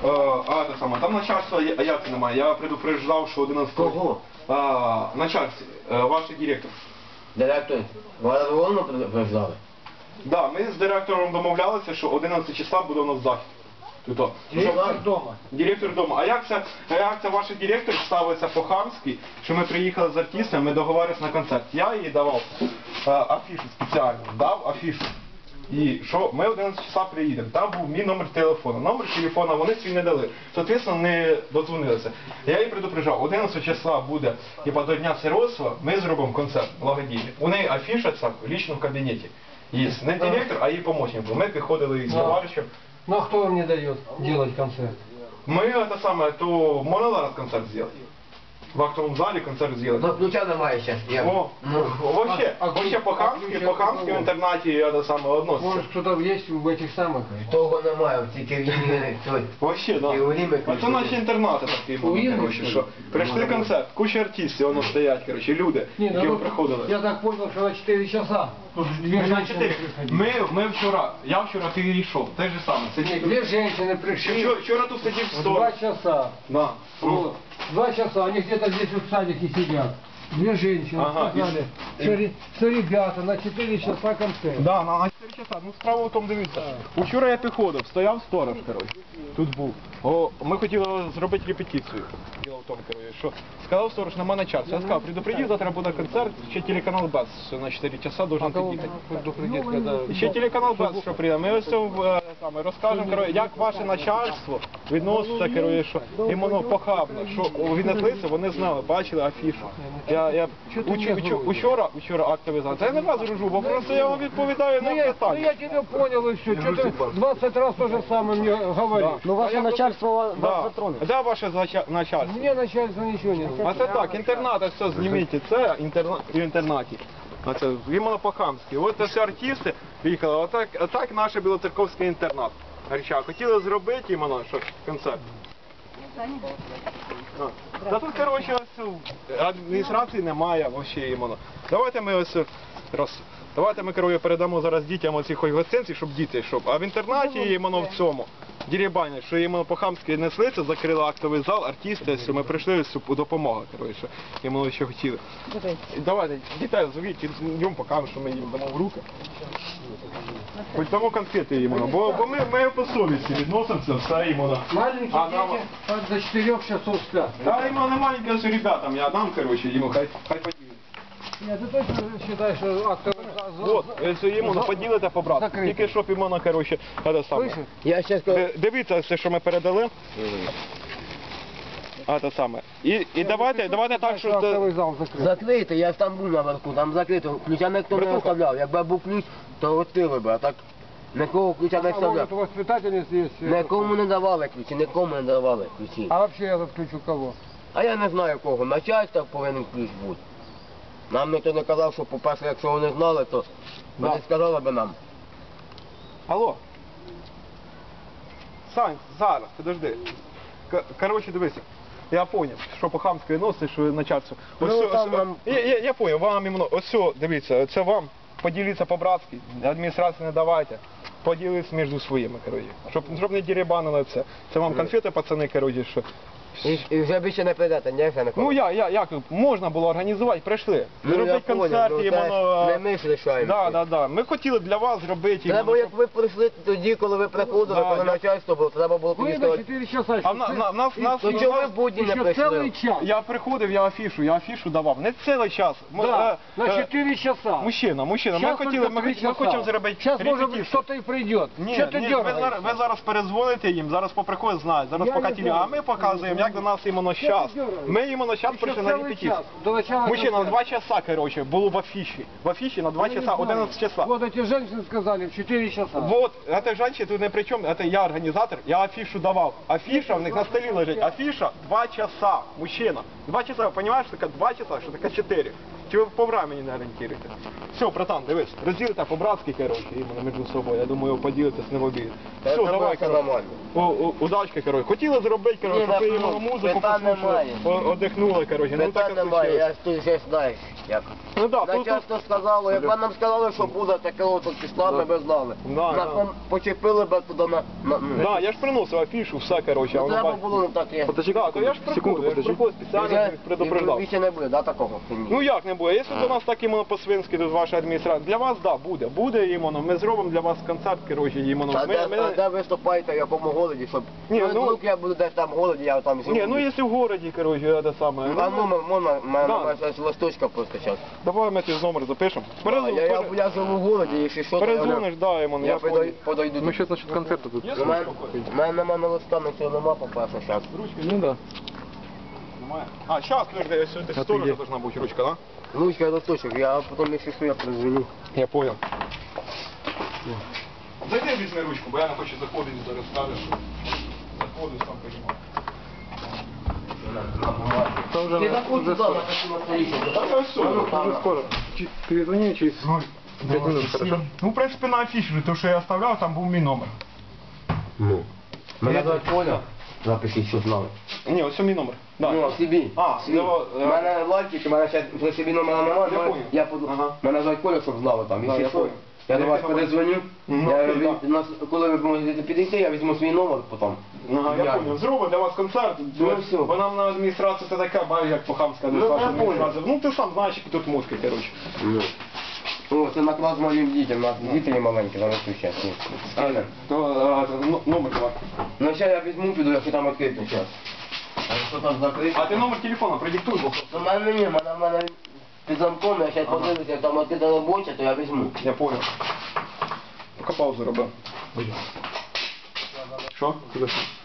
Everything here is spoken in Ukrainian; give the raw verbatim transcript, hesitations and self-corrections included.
а те саме, там начальства а як немає. Я предупреждав, що одинадцятого... Кого? А, начальство, ваш директор. Директор? Вас головно предупреждали? Да, ми з директором домовлялися, що одинадцятого числа буде у нас захід. Тут, Директор дома. Директор дома. А як це, як це ваш директор ставиться по-хамськи, що ми приїхали з артистами, ми договорилися на концерт. Я їй давав а, афішу спеціально, дав афішу. І що ми одинадцятого числа приїдемо. Там був мій номер телефону. Номер телефону вони свій не дали. Соответственно, не додзвонилися. Я їй предупреждав, одинадцятого числа буде, типа до Дня сиротства, ми зробимо концерт благодійний. У неї афіша ця в лічному кабінеті. Є не директор, а її помощник. Ми приходили з товаришем. Ну а кто вам не дает делать концерт? Мы это самое, то можно зараз концерт сделать? В актовом зале концерт сделать? Ну, ключа немає ще. Я... О, Ну, вообще, а- а вообще ключ- по-хамски, а ключ по-хамски от в интернате это самое относится. Может кто-то есть в этих самых? того немає, тільки він той. Вообще, да. І у Ріми А це наші інтернати такі були, Уїдуть, коротше, що що ли? прийшли концерт, куча артистів, воно стоять, коротше, люди, Не, які ну, приходили. я так понял, что на четыре часа. Тут две Ми на женщины чотири. приходили. Ми, ми вчора, я вчора перейшов, те ж саме. Не, Сидів, две женщины пришли. вчора, вчора тут сидів В сто. два часа. Да. Вот. Два часа, они где-то здесь в садике сидят. Две женщины Ага, сказали, и- что, ре- что ребята на четыре часа концерт. Да, на чотири часа. Ну справа в тому, дивіться. Учора я підходив, стояв сторож, коротше. Тут був. О, ми хотіли зробити репетицію. Діло в тому, коротше, що сказав сторож, нема на час. Я сказав, предупредив, завтра буде концерт, ще телеканал БЕС на чотири часа должен під'їхати. предупредить, когда... І ще телеканал БЕС, що прийде. Ми ось е, саме розкажемо, коротше, як ваше начальство відноситься, коротше, що іменно похабно, що віднеслися, вони знали, бачили афішу. Я, я учу, учу, учора, учора актовий зал. Це я не вас гружу, бо просто я вам відповідаю на Ну я, ну питання. я тебя понял и все. Что ты двадцать раз то же самое мне говоришь. Ну ваше начальство вас Да. затроне. Де ваше зача- начальство? Мне начальство ничего не А знает. це так, інтернат, все зніміть, це інтерна... в інтернаті. А це іменно по-хамськи. От це всі артисти приїхали, отак, отак наш білоцерковський інтернат. Реча, хотіли зробити іменно, що концерт. А. Та тут, коротше, ось адміністрації немає взагалі іменно. Давайте ми ось роз... Давайте ми, коротше, передамо зараз дітям оці хоч гостинці, щоб діти, щоб. А в інтернаті іменно в цьому. Дірібані, що іменно по-хамськи неслися, закрили актовий зал, артисти, що ми прийшли з допомога, коротше, іменно що хотіли. Давайте, дітей звіть, йдемо покажемо, що ми їм дамо в руки. Хоч дамо конфети іменно, бо, бо ми, ми по совісті відносимося, все іменно. Маленькие А, нам- дети аж до четырех часов спят. Та іменно не маленьке, що ребятам, я дам, коротше, йому, хай, хай поділять. Нет, ты точно считаешь, что актовый зал... От, якщо іменно поділите по брату, Закрити. тільки щоб іменно, коротше, це саме. Слышишь? Я ще скажу. Ди- Дивіться все, що ми передали. А те саме. І, і давайте, давайте так, що... це- Актовый зал закрыт. Закрити, я ж там був наверху, там закрито. Ключа ніхто не Братуха. оставляв. Якби був ключ, то відкрили би, а так нікого ключа не А может, оставляв. у воспитательницы есть... э, Нікому не давали ключі, нікому не давали ключі. А вообще этот ключ у кого? А я не знаю кого, начальство повинен ключ бути. Нам ніхто не казав, що, по-перше, якщо вони знали, то вони Да. сказали би нам. Алло. Сань, зараз, подожди. К- Коротше, дивися. Я поняв, що по-хамськи носить, що начальство. Ось Ну, сьо- там ось- нам- я, я, я поняв, вам іменно, ось сьо, дивіться, це вам. Поділіться по-братськи, адміністрації не давайте. Поділіться між своїми, коротше. Щоб, щоб не дерибанили це. Це вам конфети, пацани, коротше, що. І, і вже більше не прийдете, ні, вже ніколи. Ну я, я, як, можна було організувати, прийшли. Ну, я Зробити поняв, концерт, ну, іменно... це не ми ж рішаємо. Да, да, да. Ми хотіли для вас зробити. Треба, іменно, як ви прийшли тоді, коли ви приходили, Да, коли я- начальство було, треба було тоді Вы до сказати. четыре часа. А в на- на- нас- нас- То чого ви в будні не Еще прийшли? целый час. Я приходив, я афішу, я афішу давав. Не цілий час. Ми, Да, е, на е, четыре часа. Мужчина, мужчина, ми Сейчас хотіли, только ми, три хот- ми часа. хочемо зробити Сейчас, может быть, репетицію. кто-то и придет. Ні, Что ты ні, ви зараз, дергаешься? ви зараз перезвоните їм, зараз поприходять, знають, зараз Я поки не тілі, знаю. а ми показуємо, як до нас іменно час. Ми іменно час Еще прийшли на целый репетицію. час. До начала Мужчина, на концерта. два часа, короче, було в афіші. В афіші на два Я не часа, знаю. одинадцять часа. Вот эти женщины сказали в четыре часа. Вот, эта женщина тут не при чому, это я організатор, я афішу давав. Афіша в них на столі лежить, афіша два часа, мужчина. Два часа, ви розумієш, що таке два часа, що таке чотири. Чи ви по времени не орієнтуєте? Все, братан, дивись, розділите по-братськи, коротше, іменно між собою. Я думаю, поділитесь не в обід. Все, Це давай, все коротше. нормально. О, о, удачки, коротше. Хотіли зробити, коротше, Ні, щоб ви ну, іменно музику питань послухали, немає. о- одихнули, коротше. Ну Питань так немає, случилось. я ж ти вже знаєш, як. Ну да, тут, тут, Начальство сказало, як нам сказали, що буде таке от числа, ми б знали. Да, Нас да. там почепили б туди на... на ну. да, я ж приносив афішу, все, коротше. а Ну, воно треба бач- було не так, як. Да, то я ж приходив, я ж приходив спеціально, Вже їх предупреждав. більше не буде, да, такого? Ну як не буде? Якщо до нас так іменно по-свинськи, тут ваша адміністрація, для вас, да, буде. Буде іменно, ми зробимо для вас концерт, коротше, іменно. А Ми, де, ми... а де виступаєте, в якому голоді, щоб... Ні, ну, ну- вдруг я буду десь там в голоді, я там живу. Ні, ну якщо в городі, коротше, це саме. А ну, можна, в мене Да. немає щось листочка просто зараз. Давай ми ці номер запишемо. Я, Перезу- я, я, пере- я живу в голоді, якщо що, то я, Перезвониш, да, іменно, я я подойду. понял. подойду. Ну, що насчет концерту тут? Є У мене, ручка? у мене нема на листа, нічого нема, по-перше, зараз. Ручки Ну да. немає. А, зараз, подожди, ось сюди А сторожа ти є? должна бути ручка, да? Ручка і листочок, я потім, якщо що, я призвоню. Я понял. Зайди, візьми ручку, бо я не хочу заходити, зараз скажеш, що заходиш, там поїмо. Це вже, Ти заходь вже туди, скоро. на таку настоїчку. Так, ось все. Ну, там. Вже скоро. Чи- Перезвони через п'ять минут, хорошо? Ну, в принципі, на афіші, то, що я оставляв, там був мій номер. Ну. Мене звати Коля. Запишіть, щоб знали. Ні, ось мій номер. Да. Ну, собі. А, Свій. давай, У мене лайки, у мене ще вже собі номера немає, Я але понял. я поду... Ага. Мене звати Коля, щоб знали там. Да, Якщо я що, понял. я до Я вас тебе перезвоню. Ну, Я, окей, ви- да. нас, коли ви можете підійти, я візьму свій номер потім. Ага, я Я- понял. Зробимо для вас концерт. Ну, все. Бо нам на адміністрацію це така, бай, як по-хамська Ну, адміністрація. я понял. адміністрація. Ну, ти сам знаєш, які тут мозки, коротше. Ну. О, це наклад малим дітям, у нас діти є маленькі, зараз тут зараз. А, то, а, ну, номер давай. Ну, ще я візьму, піду, якщо там відкрито зараз. А якщо там закрито? А ти номер телефона продиктуй, бо Ну, в мене ні, в мене, в мене під замком, я ще подивлюся, як там відкрита робоча, то я візьму. я понял. Поки паузу робив. Що? Куди?